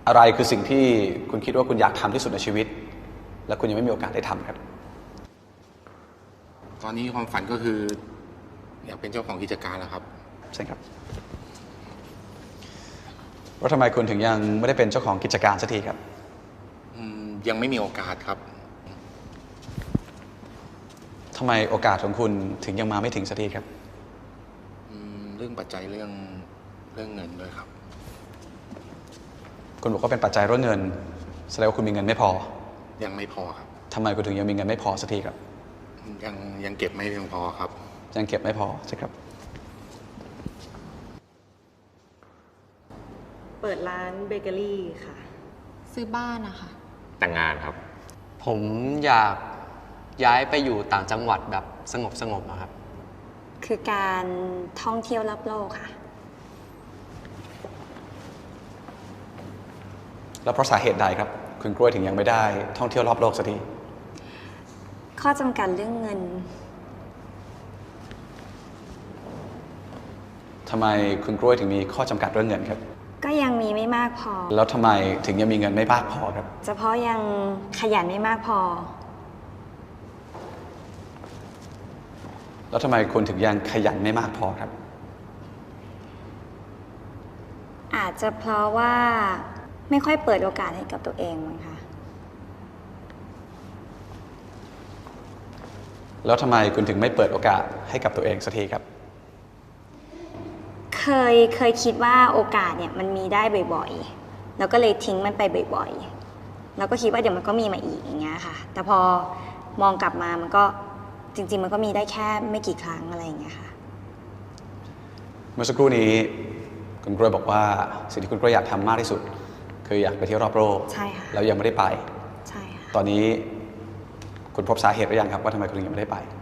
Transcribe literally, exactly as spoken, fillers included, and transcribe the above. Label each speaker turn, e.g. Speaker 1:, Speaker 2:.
Speaker 1: อะไรคือสิ่งที่คุณคิดว่าคุณอยากทำที่สุดในชีวิตและคุณยังไม่มีโอกาสได้ทำครับ
Speaker 2: ตอนนี้ความฝันก็คืออยากเป็นเจ้าของกิจการแล้วครับ
Speaker 1: ใช่ครับว่าทำไมคุณถึงยังไม่ได้เป็นเจ้าของกิจการสักทีครับ
Speaker 2: ยังไม่มีโอกาสครับ
Speaker 1: ทำไมโอกาสของคุณถึงยังมาไม่ถึงสักทีครับ
Speaker 2: เรื่องปัจจัยเรื่องเรื่องเงินด้วยครับ
Speaker 1: คุณบอกว่าเป็นปัจจัยเรื่องเงินแสดงว่าคุณมีเงินไม่พอ
Speaker 2: ยังไม่พอครับ
Speaker 1: ทำไมคุณถึงยังมีเงินไม่พอสักทีครับ
Speaker 2: ยังยังเก็บไม่เพียงพอครับ
Speaker 1: ยังเก็บไม่พอใช่ครับ
Speaker 3: เปิดร้านเบเกอรี่ค่ะ
Speaker 4: ซื้อบ้านนะคะ
Speaker 5: แต่งงานครับ
Speaker 6: ผมอยากย้ายไปอยู่ต่างจังหวัดแบบสงบสงบนะครับ
Speaker 4: คือการท่องเที่ยวรอบโลกค่ะ
Speaker 1: แล้วเพราะสาเหตุใดครับคุณกล้วยถึงยังไม่ได้ท่องเที่ยวรอบโลกสักที
Speaker 4: ข้อจำกัดเรื่องเงิน
Speaker 1: ทำไมคุณกล้วยถึงมีข้อจำกัดเรื่องเงินครับ
Speaker 4: ก็ยังมีไม่มากพอ
Speaker 1: แล้วทำไมถึงยังมีเงินไม่มากพอครับ
Speaker 4: เฉพาะยังขยันไม่มากพอ
Speaker 1: แล้วทำไมคุณถึงยังขยันไม่มากพอครับ
Speaker 4: อาจจะเพราะว่าไม่ค่อยเปิดโอกาสให้กับตัวเองมั้งคะ
Speaker 1: แล้วทำไมคุณถึงไม่เปิดโอกาสให้กับตัวเองสักทีครับ
Speaker 4: เคยเคยคิดว่าโอกาสเนี่ยมันมีได้บ่อยๆแล้วก็เลยทิ้งมันไปบ่อยๆแล้วก็คิดว่าเดี๋ยวมันก็มีมาอีกอย่างเงี้ยค่ะแต่พอมองกลับมามันก็จริงๆมันก็มีได้แค่ไม่กี่ครั้งอะไรอย่างเงี้ยค่ะ
Speaker 1: เมื่อสักครู่นี้คุณกล้วยบอกว่าสิ่งที่คุณกล้วยอยากทำมากที่สุดคืออยากไปเที่ยวรอบโลก
Speaker 4: ใช่ค่ะ
Speaker 1: แล้วยังไม่ได้ไป
Speaker 4: ใช่ค่ะ
Speaker 1: ตอนนี้คุณพบสาเหตุหรือยังครับว่าทำไมคุณถึงยังไม่ได้ไป